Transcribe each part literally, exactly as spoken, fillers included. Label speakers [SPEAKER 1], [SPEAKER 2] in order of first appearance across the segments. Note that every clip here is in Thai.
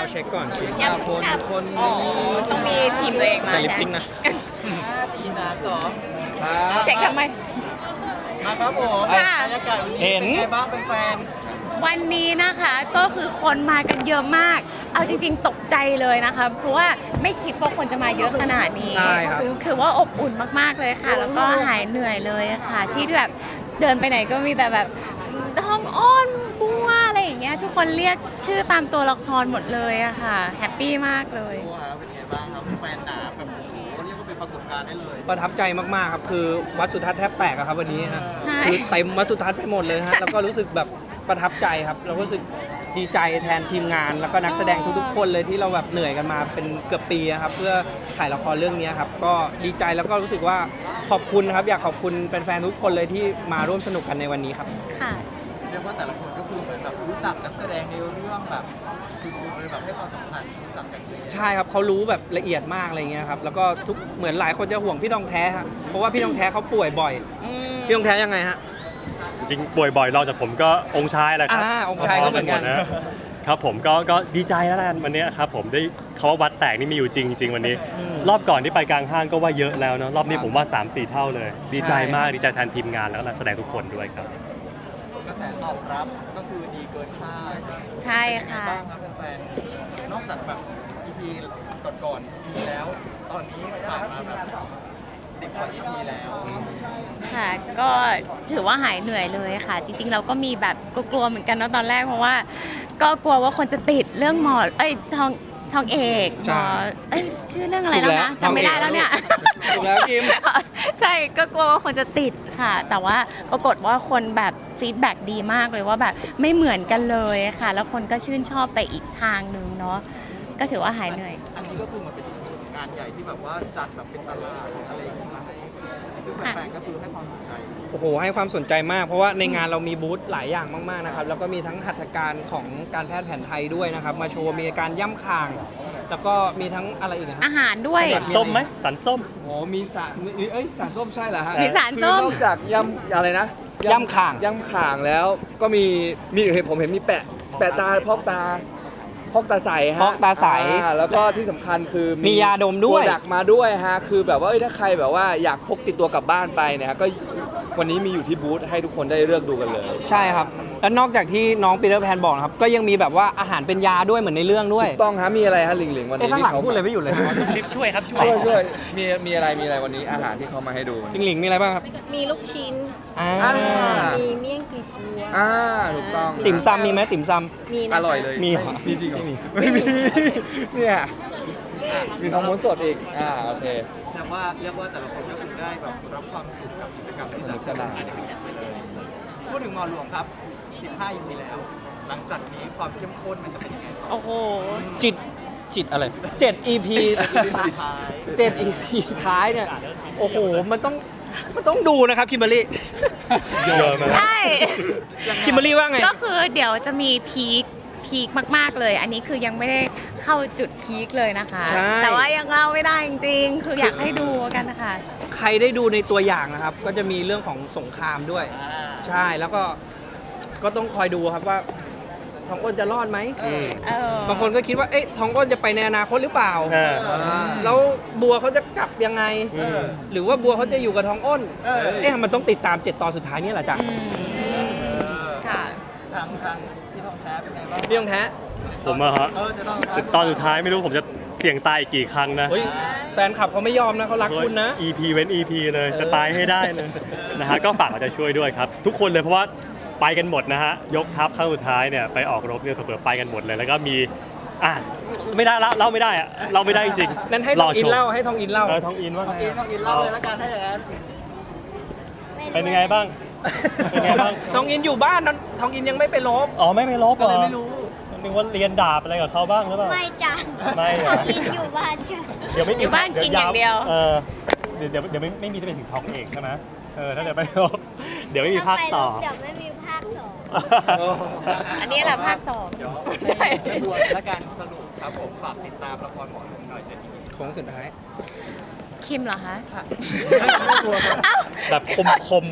[SPEAKER 1] เช็คก่อน
[SPEAKER 2] ยัง
[SPEAKER 1] คนคน
[SPEAKER 2] อ๋อ
[SPEAKER 1] นี้
[SPEAKER 2] ต้องมีทีมตัวเองมา
[SPEAKER 1] แต่ลิปซิงค์นะ
[SPEAKER 3] ห้าสี่สามสอง
[SPEAKER 2] เช็คทำไม
[SPEAKER 3] มาครับผม
[SPEAKER 2] ค่ะ
[SPEAKER 3] บรรยากาศวันนี้
[SPEAKER 1] เห็น
[SPEAKER 3] เป็นไงบ้างแฟน
[SPEAKER 2] วันนี้นะคะก็คือคนมากันเยอะมาก เอาจริง ๆ ตกใจเลยนะคะ เพราะว่าไม่คิดว่าคนจะมาเยอะขนาดนี้
[SPEAKER 1] ใช่ครับ
[SPEAKER 2] อคือว่าอบอุ่นมากๆเลยค่ะ แล้วก็หายเหนื่อยเลยค่ะ ที่แบบเดินไปไหนก็มีแต่แบบท้องอ้อนบัวอะไรอย่างเงี้ยทุกคนเรียกชื่อตามตัวละครหมดเลยอะค่ะแฮปปี้มากเลย
[SPEAKER 3] ๆตัวครับเป็นไงบ้างครับแฟนหนาแบบโอ้โหเรียกว่าเป็นปรากฏการณ์ได้เลย
[SPEAKER 1] ประทับใจมากๆครับคือวัดสุทัศน์แทบแตกอะครับวันนี้ฮะ
[SPEAKER 2] ใช่
[SPEAKER 1] คือเต็มวัดสุทัศน์ไปหมดเลยฮะแล้วก็รู้สึกแบบประทับใจครับเราก็รู้สึกดีใจแทนทีมงาน แล้วก็นักแสดงทุกๆคนเลยที่เราแบบเหนื่อยกันมาเป็นเกือบปีอะครับเพื่อถ่ายละครเรื่องนี้ครับก็ดีใจแล้วก็รู้สึกว่าขอบคุณครับอยากขอบคุณแฟนๆทุกคนเลยที่มาร่วมสนุกกันในวันนี้ครับ
[SPEAKER 2] ค่ะ
[SPEAKER 3] เรียกว่าแต่ละคนก็คือเหมือนแบบรู้จักนักแสดงในเรื่องแบบสุดๆเลยแบบให้ความสำคัญรู้จักกันเยอะ
[SPEAKER 1] ใช่ครับเขารู้แบบละเอียดมากอะไรเงี้ยครับแล้วก็ทุกเหมือนหลายคนจะห่วงพี่ทองแท้ครับเพราะว่าพี่ทองแท้เขาป่วยบ่อย
[SPEAKER 2] อืม
[SPEAKER 1] พี่ทองแท้ยังไงฮะ
[SPEAKER 4] จริงป่วยบ่อยรองจากผมก็องค์ชายแหละครับ
[SPEAKER 1] อ่าองค์ชายก็เหมือนกัน
[SPEAKER 4] พครับผมก็ก็ดีใจแล้วกันวันนี้ครับผมได้คำว่าวัดแตกนี่มีอยู่จริงจริงวันนี้ รอบก่อนที่ไปกลางห้างก็ว่าเยอะแล้วเนาะรอบนี้ผมว่า สามสี่ เท่าเลย ดีใจมากดีใจแทนทีมงานแล้วก็นักแสดงทุกคนด้วยครับ
[SPEAKER 3] กระแสตอบรับก็คือดีเกินคาด
[SPEAKER 2] ใช่
[SPEAKER 3] เป็นไง
[SPEAKER 2] ค่ะ
[SPEAKER 3] บ้างครับแฟนๆนอกจากแบบ อี พี ก่อนๆ อี พี แล้ว ตอนนี้ผ่านมาแบบสิบกว่า อี พี แล้ว
[SPEAKER 2] ค่ะก็ถือว่าหายเหนื่อยเลยค่ะ จริงๆ เราก็มีแบบกลัวๆเหมือนกันเนาะตอนแรกเพราะว่า ก็กลัวว่าคนจะติดเรื่องหมอเอ้ยทองทองเอกห
[SPEAKER 1] ใช่
[SPEAKER 2] มอเอ้ยชื่อเรื่องอะไรแล้วนะจำไม่ได้แล้วเนี่ย
[SPEAKER 1] ถูกแล้วกิม
[SPEAKER 2] ใช่ก็กลัวว่าคนจะติดค่ะ แต่ว่าปรากฏว่าคนแบบฟีดแบ็ดีมากเลยว่าแบบไม่เหมือนกันเลยค่ะ แล้วคนก็ชื่นชอบไปอีกทางหนึ่งเนาะก็ถือว่าหายเหนื่อย
[SPEAKER 3] อันนี้ก็คือมันเป็นงานใหญ่ที่แบบว่าจัดแบบเป็นตลาดอะไรอย่างเงี้ยมาให้ซึ่งแฟนๆก็คือให้ความสนใจ
[SPEAKER 1] โอ้โหให้ความสนใจมากเพราะว่าในงานเรามีบูธหลายอย่างมากๆนะครับแล้วก็มีทั้งหัตถการของการแพทย์แผนไทยด้วยนะครับมาโชว์มีการย่ำคาง แล้วก็มีทั้งอะไรอีกนะ
[SPEAKER 2] อาหารด้วย
[SPEAKER 1] สั
[SPEAKER 4] สันส้มไหมสันส้ม
[SPEAKER 5] โอ้มีสารมีเอ้ยสารส้มใช่เหรอฮะ
[SPEAKER 2] มีสารส้ม
[SPEAKER 5] คือนอกจากยำอะไรนะ
[SPEAKER 1] ย่ำข่าง
[SPEAKER 5] ยำข่างแล้วก็มีมีเห็นผมเห็นมีแปะแปะตาพอกตาพอกตาใสฮะ
[SPEAKER 1] พอกตาใส
[SPEAKER 5] อ่แล้วก็ที่สำคัญคือ
[SPEAKER 1] มียาดมด้วย
[SPEAKER 5] โปรดักต์มาด้วยฮะคือแบบว่าเอ้ยถ้าใครแบบว่าอยากพกติดตัวกลับบ้านไปเนี่ยฮะก็วันนี้มีอยู่ที่บูธให้ทุกคนได้เลือกดูกันเลย
[SPEAKER 1] ใช่ครับ แล้วนอกจากที่น้องปีเตอร์แพนบอกนะครับก็ยังมีแบบว่าอาหารเป็นยาด้วยเหมือนในเรื่องด้วย
[SPEAKER 5] ต้องฮะมีอะไรฮะหลิงหลิงวัน
[SPEAKER 1] เอ้ย
[SPEAKER 5] นี้
[SPEAKER 1] ข้างหลัง
[SPEAKER 5] ที่
[SPEAKER 1] พูดเลยไม่หยุดเลย
[SPEAKER 4] ลิฟช่วยครับช่วย
[SPEAKER 5] ช่วยช่วยมีมีอะไรมีอะไรวันนี้อาหารที่เขามาให้ดู
[SPEAKER 1] จริงหลิงมีอะไรบ้างครับ
[SPEAKER 6] มีลูกชิ้น
[SPEAKER 1] อ่า
[SPEAKER 5] อ่า
[SPEAKER 6] มีเมี่ยงกลีบบัว
[SPEAKER 5] อ่าถูกต้อง
[SPEAKER 1] ติ่มซำมีไหมติ่มซ
[SPEAKER 6] มีนะคะ
[SPEAKER 5] อร่อยเลย
[SPEAKER 1] มีเหรอ
[SPEAKER 5] มีจริงเหรอ
[SPEAKER 1] ไม่มี
[SPEAKER 5] ไม่มี เนี่ยมีทองม้วนสดอีก อ่า โอเค
[SPEAKER 3] แต่ว่าเรียกว่าแต่ละคนก็คือได้แบบรับความสุขกับกิจกรรมที่จัด
[SPEAKER 5] สนุกสนาน
[SPEAKER 3] ไปเลยพูดถึงหมอหลวงครับ สิบห้า อี พี แล้ว หลังจากนี้ความเข้มข้นมันจะเป็นยังไงต่อ
[SPEAKER 2] โอ้โห
[SPEAKER 1] ำจิตจิตอะไรเจ็ด อี พี
[SPEAKER 3] สุดท้าย
[SPEAKER 1] เจ็ด อี พี ท้ายเนี่ย โอ้โห มันต้องมันต้องดูนะครับคิมเบอรรี่
[SPEAKER 4] เยอะมาก
[SPEAKER 2] ใช่
[SPEAKER 1] คิมเบอรรี่ว่าไง
[SPEAKER 2] ก็คือเดี๋ยวจะมีพีคพีคมากๆเลย อันนี้คือยังไม่ได้เข้าจุดพีคเลยนะคะ
[SPEAKER 1] ใช่
[SPEAKER 2] แต่ว่ายังเล่าไม่ได้จริงๆ คืออยากให้ดูกันนะคะ
[SPEAKER 1] ใครได้ดูในตัวอย่างนะครับ ก็จะมีเรื่องของสงครามด้วย ใช่แล้วก็ก็ต้องคอยดูครับว่าทองอ้นจะรอดไหม
[SPEAKER 4] อืม
[SPEAKER 2] เออบ
[SPEAKER 1] างคนก็คิดว่าเอ๊ะทองอ้นจะไปในอนาคตหรือเปล่า
[SPEAKER 4] อ่า
[SPEAKER 1] แล้วบัวเขาจะกลับยังไง
[SPEAKER 4] อืม
[SPEAKER 1] หรือว่าบัวเขาจะอยู่กับทองอ้นเอ๊ะมันต้องติดตามเจ็ดตอนสุดท้ายนี่แหละจ้ะ
[SPEAKER 2] อืมค่ะ
[SPEAKER 3] ทางทางพี่ทองแท้เป็นไงบ้าง
[SPEAKER 1] พี่ทองแท้
[SPEAKER 4] ผมอะฮะ
[SPEAKER 3] เออจะต้อง
[SPEAKER 4] ตอนสุดท้ายไม่รู้ผมจะเสี่ยงตายอีกกี่ครั้งนะ
[SPEAKER 1] เฮ้ยแฟนคลับเขาไม่ยอมนะเขารักคุณนะ
[SPEAKER 4] อี พี เว้น อี พี เลยจะตายให้ได้เลยนะฮะก็ฝากเอาใจช่วยด้วยครับ ทุกคนเลยเพราะว่าไปกันหมดนะฮะยกทัพครั้งสุดท้ายเนี่ยไปออกรบเนี่ยเผื่อๆไปกันหมดเลย แล้วก็มีอ่ะไม่ได้ละเล่าไม่ได้อะเล่าไม่ได้จริงๆ
[SPEAKER 1] นั้นให้ทองอิน
[SPEAKER 4] รชม
[SPEAKER 1] เล่าให้ทองอินเล่า
[SPEAKER 4] เออทองอินว่า
[SPEAKER 3] ต้อง
[SPEAKER 4] ไง
[SPEAKER 3] อินต้องอินเล่าเลยละกันถ้าอย่างนั้น
[SPEAKER 4] เป็นยังไงบ้าง เป็นไงบ้าง
[SPEAKER 1] ทองอินอยู่บ้านนั้นทองอินยังไม่ไปลบ
[SPEAKER 4] อ๋อไม่ไปลบเหร
[SPEAKER 1] ก็
[SPEAKER 4] อ
[SPEAKER 1] เลยไม่รู้
[SPEAKER 4] นึกว่าเรียนดาบอะไรกับเขาบ้างหรือเปล่า
[SPEAKER 6] ไม่จ้ะ
[SPEAKER 4] ไม่เหร
[SPEAKER 6] ข
[SPEAKER 4] อ
[SPEAKER 6] อกินอยู่บ้านจ้ะ
[SPEAKER 4] เดี๋ยวไม่มี
[SPEAKER 2] อยู่บ้านกินอย่างเดียว
[SPEAKER 4] เออเดี๋ยวเดี๋ยวเดี๋ยวไม่ไม่มีจะเป็นถึงทองเอกใช่ไหมเออถ้าเดี๋ยวไปลบเดี๋ยวไม่มีภาคต่อ
[SPEAKER 6] เดี๋ยวไม่มีภาคสอง
[SPEAKER 2] อันนี้แหละภาคสอง
[SPEAKER 3] เดี๋ยว
[SPEAKER 2] ใช่
[SPEAKER 3] ให้บวนและการสรุปครับผมฝากติดตามละครหมอหลวงหน่อยจะดี
[SPEAKER 1] โค้งสุดท้าย
[SPEAKER 2] คิมเหรอคะ
[SPEAKER 4] แบบคมคม
[SPEAKER 1] ค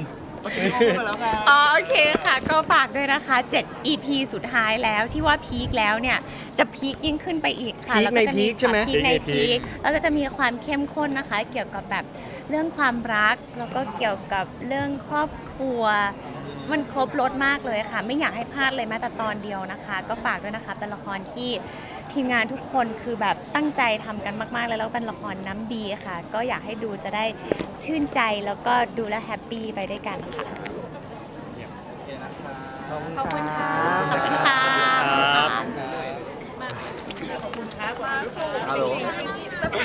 [SPEAKER 3] โอเคพูดไปแล้วค่ะ
[SPEAKER 2] อ๋อโอเคค่ะ ก็ฝากด้วยนะคะเจ็ด อี พี สุดท้ายแล้วที่ว่าพีคแล้วเนี่ยจะพีคยิ่งขึ้นไปอีกค่ะ
[SPEAKER 1] พีค
[SPEAKER 2] แล้ว
[SPEAKER 1] ใน
[SPEAKER 2] จะ
[SPEAKER 1] พีคใช่ไหม
[SPEAKER 2] พีคใน
[SPEAKER 4] พีคในพี
[SPEAKER 2] พีค
[SPEAKER 4] ค
[SPEAKER 2] แล้วก็จะมีความเข้มข้นนะคะ เกี่ยวกับแบบเรื่องความรักแล้วก็เกี่ยวกับเรื่องครอบครัว มันครบรถมากเลยค่ะ ไม่อยากให้พลาดเลยแม้แต่ตอนเดียวนะคะ ก็ฝากด้วยนะคะเป็นละครที่ทีมงานทุกคนคือแบบตั้งใจทำกันมากๆเลยแล้วเป็นละครน้ำดีค่ะ ก็อยากให้ดูจะได้ชื่นใจแล้วก็ดูแลวแฮปปี้ไปด้วยกันค่ะ
[SPEAKER 1] ขอบคุณครับ